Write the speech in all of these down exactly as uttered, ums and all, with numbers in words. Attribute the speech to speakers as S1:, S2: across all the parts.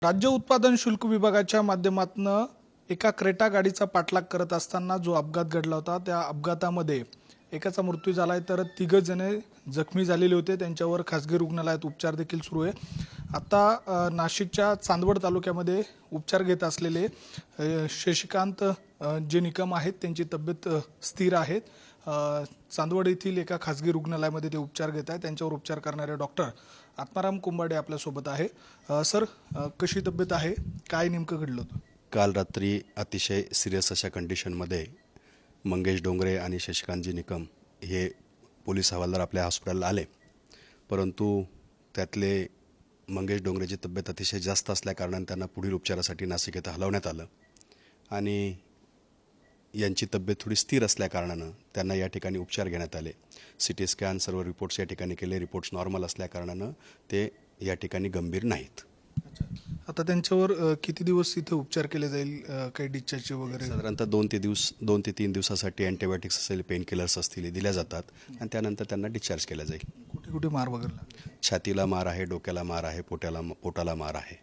S1: राज्य उत्पादन शुल्क विभागाच्या माध्यमातून एका क्रेटा गाडीचा पाठलाग करत असताना जो अपघात घडला होता त्या अपघातामध्ये एकाचा मृत्यू झालाय तर तिघ जण जखमी झालेले होते। त्यांच्यावर खासगी रुग्णालयात उपचार देखील सुरू आहे। आता नाशिकच्या चांदवड तालुक्यामध्ये उपचार घेत असलेले शशिकांत जे निकम आहेत त्यांची तब्येत स्थिर आहे। चांदवड येथील एका खासगी रुग्णालयामध्ये ते उपचार घेत आहेत। त्यांच्यावर उपचार करणारे डॉक्टर आत्माराम कुंभाडे आपल्या सोबत आहे। सर, कशी तब्येत आहे, काय नेमकं घडलं होतं?
S2: काल रात्री अतिशय सिरियस अशा कंडिशनमध्ये मंगेश डोंगरे आणि शशिकांतजी निकम हे पोलीस हवालदार आपल्या हॉस्पिटलला आले, परंतु त्यातले मंगेश डोंगरेची तब्येत अतिशय जास्त असल्याकारणाने त्यांना पुढील उपचारासाठी नाशिक येथे हलवण्यात आलं आणि यांची तब्येत थोडी स्थिर असल्याकारणानं त्यांना या ठिकाणी उपचार घेण्यात आले। सी टी स्कॅन सर्व रिपोर्ट्स या ठिकाणी केले। रिपोर्ट्स नॉर्मल असल्याकारणानं ते या ठिकाणी गंभीर नाहीत।
S1: आता त्यांच्यावर किती दिवस इथे उपचार केले जाईल, काही डिस्चार्ज वगैरे?
S2: साधारणतः दोन ते दिवस दोन ते तीन दिवसासाठी अँटीबायोटिक्स असेल, पेन किलर्स असतील दिल्या जातात आणि त्यानंतर त्यांना डिस्चार्ज केला जाईल।
S1: कुठे कुठे मार वगैरे लागले?
S2: छातीला मार आहे, डोक्याला मार आहे, पोटाला पोटाला मार आहे।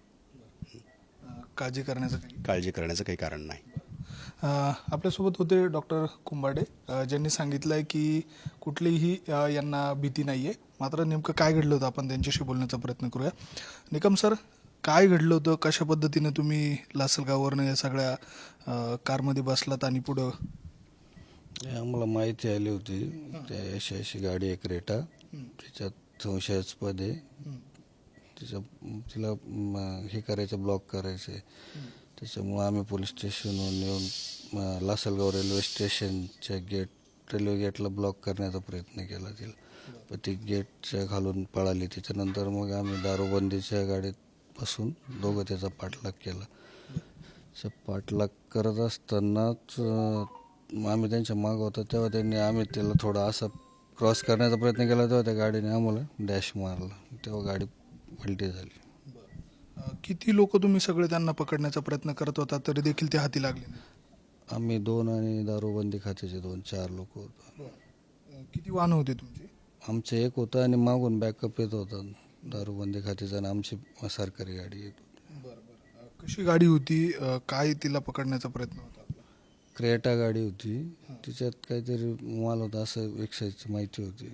S1: काळजी करण्याचं काही
S2: काळजी करण्याचं काही कारण नाही।
S1: आपल्यासोबत होते डॉक्टर कुंभाडे, ज्यांनी सांगितलंय की कुठलीही यांना भीती नाहीये। मात्र नेमकं काय घडलं होतं आपण त्यांच्याशी बोलण्याचा प्रयत्न करूया। निकम सर, काय घडलं होतं, कशा पद्धतीने तुम्ही लासलगाववरनं या सगळ्या कारमध्ये बसलात आणि पुढं?
S3: आम्हाला माहिती आली होती त्या अशी अशी गाडी आहे क्रेटा, त्याच्यात संशयास्पद आहे, तिच्या तिला हे करायचं, ब्लॉक करायचं। त्याच्यामुळे आम्ही पोलीस स्टेशनवर येऊन लासलगाव रेल्वे स्टेशनच्या गेट रेल्वे गेटला ब्लॉक करण्याचा प्रयत्न केला तिला, पण ती गेटच्या घालून पळाली। त्याच्यानंतर मग आम्ही दारूबंदीच्या गाडीत बसून दोघं त्याचा पाठलाग केला। पाठलाग करत असतानाच आम्ही त्यांच्या मागं होतो तेव्हा त्यांनी आम्ही त्याला थोडा असा क्रॉस करण्याचा प्रयत्न केला, तेव्हा त्या गाडीने आम्हाला डॅश मारला, तेव्हा गाडी पलटी झाली।
S1: किती लोक तुम्ही सगळे त्यांना पकडण्याचा प्रयत्न करत होता तरी देखील ते हाती लागले?
S3: आम्ही दोन आणि दारूबंदी खात्याचे दोन चार लोक होतो।
S1: किती वाहन होते तुमची?
S3: आमचे एक होतं आणि मागून बॅकअप येत होता दारूबंदी खात्याचा आणि आमची सरकारी गाडी येत होती।
S1: बरं बरं कशी गाडी होती, काय तिला पकडण्याचा प्रयत्न होता?
S3: क्रेटा गाडी होती, तिच्यात काहीतरी माल होता असं एक्साईजची माहिती होती।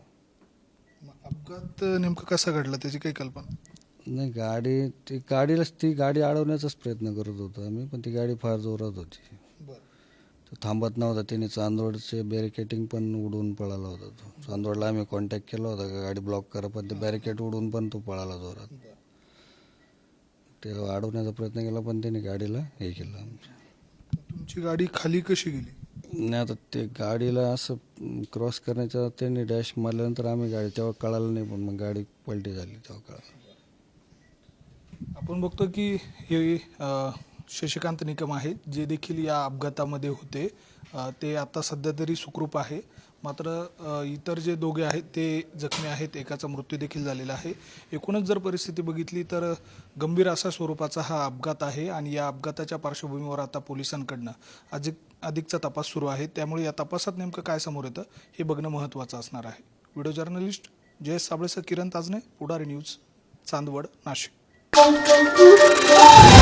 S1: अपघात नेमकं कसा घडला त्याची काही कल्पना
S3: नाही? गाडी ती गाडीला ती गाडी अडवण्याचाच प्रयत्न करत होतो आम्ही, पण ती गाडी फार जोरात होती, तो थांबत नव्हता। त्याने चांदवडचे बॅरिकेटिंग पण उडून पळाला होता। तो चांदवडला आम्ही कॉन्टॅक्ट केला होता का गाडी ब्लॉक करा, पण ते बॅरिकेड उडून पण तो पळाला जोरात। त्याला अडवण्याचा प्रयत्न केला पण त्याने गाडीला हे केलं आमच्या।
S1: तुमची गाडी खाली कशी गेली?
S3: नाही, आता ते गाडीला असं क्रॉस करण्याच्या त्यांनी डॅश मारल्यानंतर आम्ही गाडी तेव्हा कळालं नाही, पण मग गाडी पलटी झाली तेव्हा कळालं।
S1: आपण बघतो की हे शशिकांत निकम आहेत, जे देखील या अपघातामध्ये होते, ते आता सध्या तरी सुखरूप आहे। मात्र इतर जे दोघे आहेत ते जखमी आहेत, एकाचा मृत्यू देखील झालेला आहे। एकूणच जर परिस्थिती बघितली तर गंभीर असा स्वरूपाचा हा अपघात आहे आणि या अपघाताच्या पार्श्वभूमीवर आता पोलिसांकडनं अधिक अधिकचा तपास सुरू आहे। त्यामुळे या तपासात नेमकं काय समोर येतं हे बघणं महत्त्वाचं असणार आहे। व्हिडिओ जर्नलिस्ट जयेश साबळेसह किरण ताजने, पुढारी न्यूज, चांदवड, नाशिक।